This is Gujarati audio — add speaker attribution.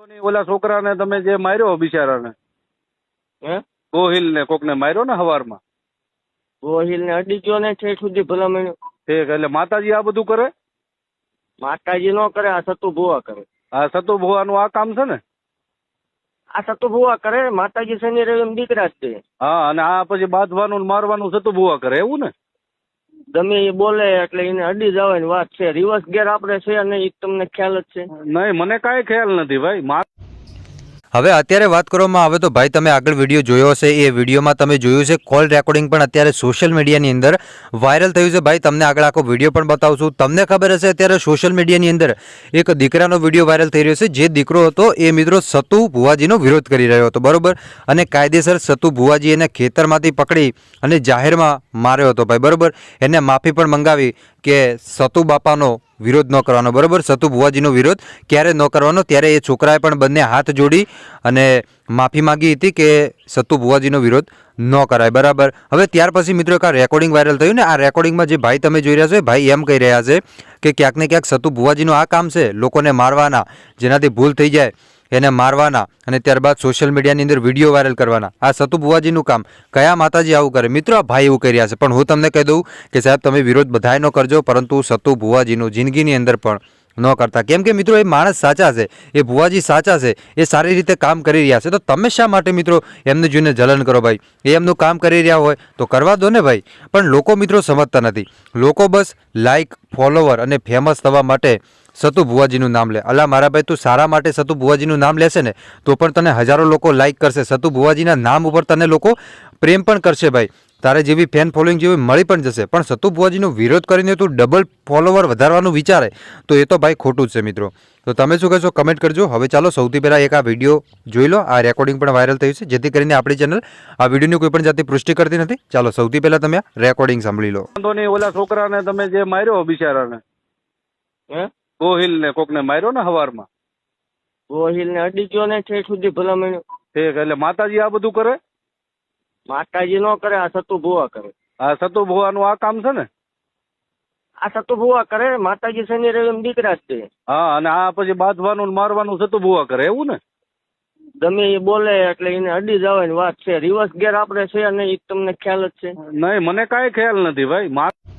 Speaker 1: ઓલા છોકરાને તમે જે માર્યો બિચારાને
Speaker 2: હે
Speaker 1: ગોહિલ ને કોકને માર્યો ને હવારમાં
Speaker 2: ગોહિલ ને અડી ગયો ને ઠેઠ સુધી ભલામણ.
Speaker 1: ઠીક, એટલે માતાજી આ બધું કરે?
Speaker 2: માતાજી નો કરે, આ સતુ ભુવા કરે.
Speaker 1: આ સતુ ભુવાનું આ કામ છે ને?
Speaker 2: આ સતુ ભુવા કરે. માતાજી શનિ રવિ દીકરા જ છે.
Speaker 1: હા, અને આ પછી બાંધવાનું ને મારવાનું સતુ ભુવા કરે એવું ને?
Speaker 2: ગમે એ બોલે એટલે એને અડી જવાની વાત છે. રિવર્સ ગેર આપણે છે નહીં, એ તમને ખ્યાલ જ છે.
Speaker 1: નહીં, મને કાંઈ ખ્યાલ નથી ભાઈ.
Speaker 3: હવે અત્યારે વાત કરવામાં આવે તો ભાઈ તમે આગળ વિડીયો જોયો હશે, એ વિડીયોમાં તમે જોયું છે કોલ રેકોર્ડિંગ પણ અત્યારે સોશિયલ મીડિયાની અંદર વાયરલ થયું છે. ભાઈ તમને આગળ આખો વિડીયો પણ બતાવશું. તમને ખબર હશે અત્યારે સોશિયલ મીડિયાની અંદર એક દીકરાનો વિડીયો વાયરલ થઈ રહ્યો છે. જે દીકરો હતો એ મિત્રો સતુ ભુવાજીનો વિરોધ કરી રહ્યો હતો, બરોબર, અને કાયદેસર સતુ ભુવાજી એને ખેતરમાંથી પકડી અને જાહેરમાં માર્યો હતો ભાઈ, બરોબર. એને માફી પણ મંગાવી કે સતુ બાપાનો વિરોધ ન કરવાનો, બરોબર, સતુ ભુવાજીનો વિરોધ ક્યારે ન કરવાનો. ત્યારે એ છોકરાએ પણ બંને હાથ જોડી અને માફી માંગી હતી કે સતુ ભુવાજીનો વિરોધ ન કરાય, બરાબર. હવે ત્યાર પછી મિત્રો એક આ રેકોર્ડિંગ વાયરલ થયું ને, આ રેકોર્ડિંગમાં જે ભાઈ તમે જોઈ રહ્યા છો, ભાઈ એમ કહી રહ્યા છે કે ક્યાંક ને ક્યાંક સતુ ભુવાજીનું આ કામ છે લોકોને મારવાના, જેનાથી ભૂલ થઈ જાય એને મારવાના અને ત્યારબાદ સોશિયલ મીડિયાની અંદર વિડીયો વાયરલ કરવાના. આ સતુ ભુવાજીનું કામ. કયા માતાજી આવું કરે? મિત્રો આ ભાઈ એવું કરી રહ્યા છે. પણ હું તમને કહી દઉં કે સાહેબ તમે વિરોધ બધાય ન કરજો, પરંતુ સતુ ભુવાજીનું જિંદગીની અંદર પણ ન કરતા. કેમ કે મિત્રો એ માણસ સાચા છે, એ ભુવાજી સાચા છે, એ સારી રીતે કામ કરી રહ્યા છે. તો તમે શા માટે મિત્રો એમને જોઈને જલન કરો ભાઈ? એ એમનું કામ કરી રહ્યા હોય તો કરવા દો ને ભાઈ. પણ લોકો મિત્રો સમજતા નથી. લોકો બસ લાઇક, ફોલોવર અને ફેમસ થવા માટે સતુ ભુવાજીનું નામ લે. અલા મારા ભાઈ, તું સારા માટે સતુ ભુવાજીનું નામ લેશે ને તો પણ તને હજારો લોકો લાઇક કરશે. સતુ ભુવાજીના નામ ઉપર તને લોકો પ્રેમ પણ કરશે ભાઈ. તારે જેવી ફેન ફોલોઈંગ જેવી મળી પણ જશે. પણ સતુ ભુવાજીનો વિરોધ કરીને તું ડબલ ફોલોવર વધારવાનું વિચારે તો એ તો ભાઈ ખોટું જ છે મિત્રો. તો તમે શું કહેશો કમેન્ટ કરજો. હવે ચાલો સૌથી પહેલાં એક આ વિડીયો જોઈ લો. આ રેકોર્ડિંગ પણ વાયરલ થયું છે, જેથી કરીને આપણી ચેનલ આ વિડીયોની કોઈ પણ જાતની પુષ્ટિ કરતી નથી. ચાલો સૌથી પહેલાં તમે આ રેકોર્ડિંગ સાંભળી લો.
Speaker 1: ઓલા છોકરાને તમે જે માર્યો બિચારાને
Speaker 2: હે
Speaker 1: ગોહિલ ને કોકને માર્યો ને હવારમાં
Speaker 2: ગોહિલ ને અડી ગયો ને ઠેઠ સુધી ભલામણ.
Speaker 1: ઠીક, એટલે માતાજી આ બધું કરે?
Speaker 2: માતાજી નો કરે, આ સતુ ભુવા કરે.
Speaker 1: આ સતુ ભુવાનું આ કામ છે ને?
Speaker 2: આ સતુ ભુવા કરે. માતાજી શનિ રવિ દીકરા જ છે.
Speaker 1: હા, અને આ પછી બાંધવાનું ને મારવાનું સતુ ભુવા કરે એવું ને?
Speaker 2: ગમે એ બોલે એટલે એને અડી જવાની વાત છે. રિવર્સ ગેર આપણે છે નહીં, એ તમને ખ્યાલ જ છે.
Speaker 1: નહીં, મને કાંઈ ખ્યાલ નથી ભાઈ.